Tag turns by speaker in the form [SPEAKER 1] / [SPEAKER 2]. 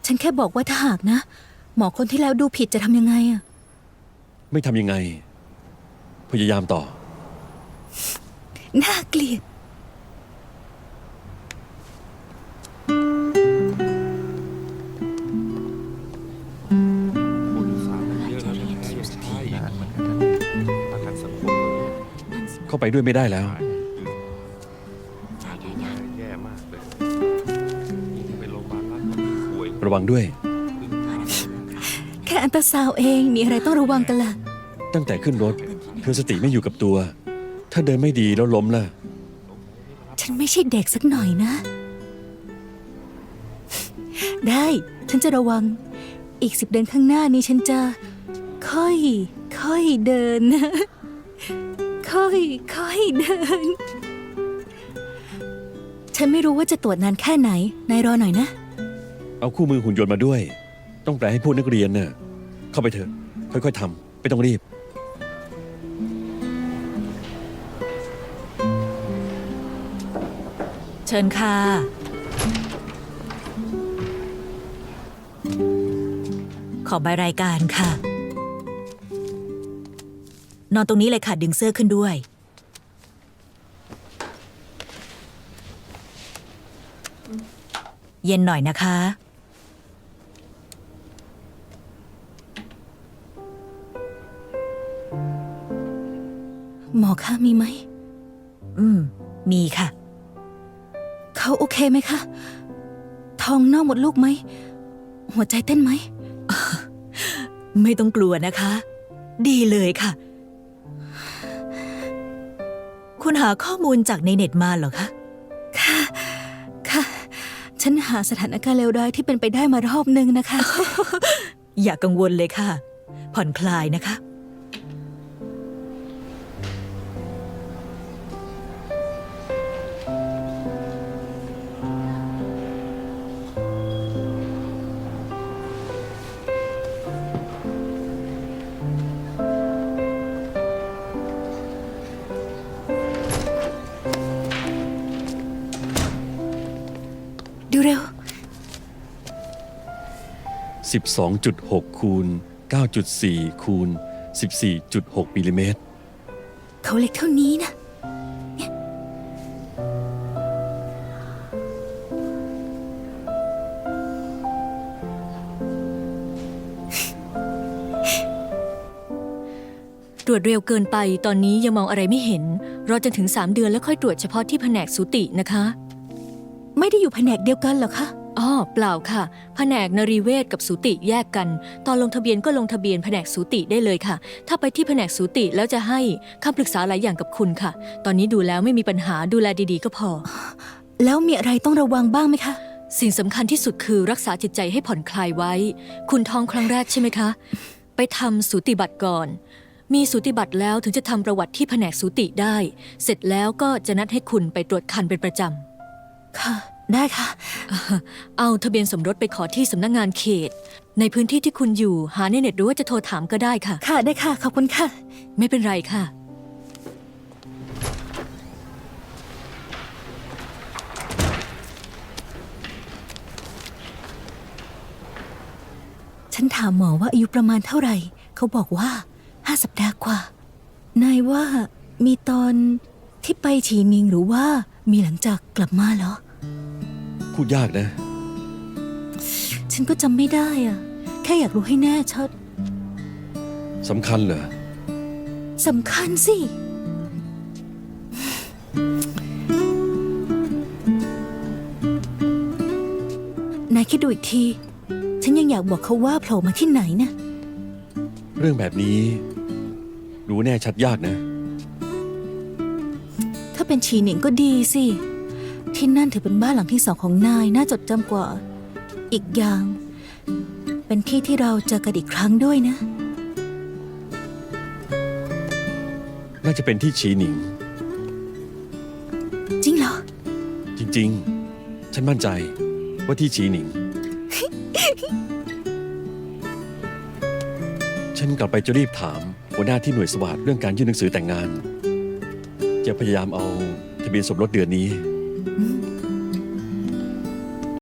[SPEAKER 1] ฉันแค่บอกว่าถ้าหากนะ หมอคนที่แล้วดูผิดจะทำยังไงอะ
[SPEAKER 2] ไม่ทำยังไง พยายามต่อ
[SPEAKER 1] น่าเกลียด
[SPEAKER 2] เข้าไปด้วยไม่ได้แล้ว
[SPEAKER 3] แย่มากเลยไปโรงพยาบาลรัฐป่วย
[SPEAKER 2] ระวังด้วย
[SPEAKER 1] แค่อันตราซาวด์เองมีอะไรต้องระวังกันล่ะ
[SPEAKER 2] ตั้งแต่ขึ้นรถเธอสติไม่อยู่กับตัว ถ้าเดินไม่ดีแล้วล้มล่ะ
[SPEAKER 1] ฉันไม่ใช่เด็กสักหน่อยนะ ได้ฉันจะระวัง อีก10 เดือนข้างหน้านี้ฉันจะค่อยเดินนะ ค่อยเดิน ฉันไม่รู้ว่าจะตรวจนานแค่ไหน นายรอหน่อยนะ
[SPEAKER 2] เอาคู่มือหุ่นยนต์มาด้วย ต้องแปลให้พวกนักเรียนน่ะเข้าไปเถอะ ค่อยๆทำไม่ต้องรีบ
[SPEAKER 4] เชิญค่ะ ขอใบรายการค่ะ นอนตรงนี้เลยค่ะ ดึงเสื้อขึ้นด้วย เย็นหน่อยนะคะ
[SPEAKER 1] หมอคะมีไหม
[SPEAKER 4] มีค่ะ
[SPEAKER 1] เขาโอเคไหมคะ ท้องนอกหมดลูกไหม หัวใจเต้นไหม
[SPEAKER 4] ไม่ต้องกลัวนะคะ ดีเลยค่ะ คุณหาข้อมูลจากในเน็ตมาเหรอคะ
[SPEAKER 1] ค่ะ ฉันหาสถานการณ์เลวร้ายที่เป็นไปได้มารอบนึงนะคะ
[SPEAKER 4] อย่ากังวลเลยค่ะ ผ่อนคลายนะคะ
[SPEAKER 1] ดูเร็ว
[SPEAKER 2] 12.6 คูณ 9.4 คูณ 14.6 มิลลิเมตร
[SPEAKER 1] เขาเล็กเท่านี้นะ
[SPEAKER 5] ตรวจเร็วเกินไปตอนนี้ยังมองอะไรไม่เห็น รอจนถึง3 เดือนแล้วค่อยตรวจเฉพาะที่แผนกสูตินะคะ
[SPEAKER 1] ไม่ได้อยู่แผนกเดียวกันเหรอคะ
[SPEAKER 5] อ้อเปล่าค่ะ แผนกนรีเวชกับสูติแยกกัน ตอนลงทะเบียนก็ลงทะเบียนแผนกสูติได้เลยค่ะ ถ้าไปที่แผนกสูติแล้วจะให้คำปรึกษาหลายอย่างกับคุณค่ะ ตอนนี้ดูแล้วไม่มีปัญหาดูแลดีๆก็พอ
[SPEAKER 1] แล้วมีอะไรต้องระวังบ้างไหมคะ
[SPEAKER 5] สิ่งสำคัญที่สุดคือรักษาจิตใจให้ผ่อนคลายไว้ คุณท้องครั้งแรกใช่ไหมคะ ไปทำสูติบัตรก่อน มีสูติบัตรแล้วถึงจะทำประวัติที่แผนกสูติได้ เสร็จแล้วก็จะนัดให้คุณไปตรวจคันเป็นประจำ
[SPEAKER 1] ค่ะ ได้ค่ะ
[SPEAKER 5] เอาทะเบียนสมรสไปขอที่สำนักงานเขต ในพื้นที่ที่คุณอยู่หาในเน็ตหรือว่าจะโทรถามก็ได้ค่ะ
[SPEAKER 1] ค่ะ ได้ค่ะ ขอบคุณค่ะ
[SPEAKER 5] ไม่เป็นไรค่ะ
[SPEAKER 1] ฉันถามหมอว่าอายุประมาณเท่าไหร่ เขาบอกว่า5 สัปดาห์กว่า นายว่ามีตอนที่ไปฉีมิงหรือว่ามีหลังจากกลับมาเหรอ
[SPEAKER 2] พูดยากนะ
[SPEAKER 1] ฉันก็จำไม่ได้อะแค่อยากรู้ให้แน่ชัด
[SPEAKER 2] สำคัญเหรอ
[SPEAKER 1] สำคัญสิ นายคิดดูอีกที ฉันยังอยากบอกเขาว่าโผล่มาที่ไหนนะ
[SPEAKER 2] เรื่องแบบนี้ รู้แน่ชัดยากนะ
[SPEAKER 1] ถ้าเป็นฉีหนิงก็ดีสิ ที่นั่นถือเป็นบ้านหลังที่2ของนาย น่าจดจำกว่า อีกอย่าง เป็นที่ที่เราเจอกันอีกครั้งด้วยนะ
[SPEAKER 2] น่าจะเป็นที่ฉีหนิง
[SPEAKER 1] จริงเหรอ
[SPEAKER 2] จริงๆ ฉันมั่นใจว่าที่ฉีหนิง ฉันกลับไปจะรีบถามหัวหน้าที่หน่วยสวัสดเรื่องการยื่นหนังสือแต่งงาน จะพยายามเอาทะเบียนสมรสเดือนนี้
[SPEAKER 1] อืม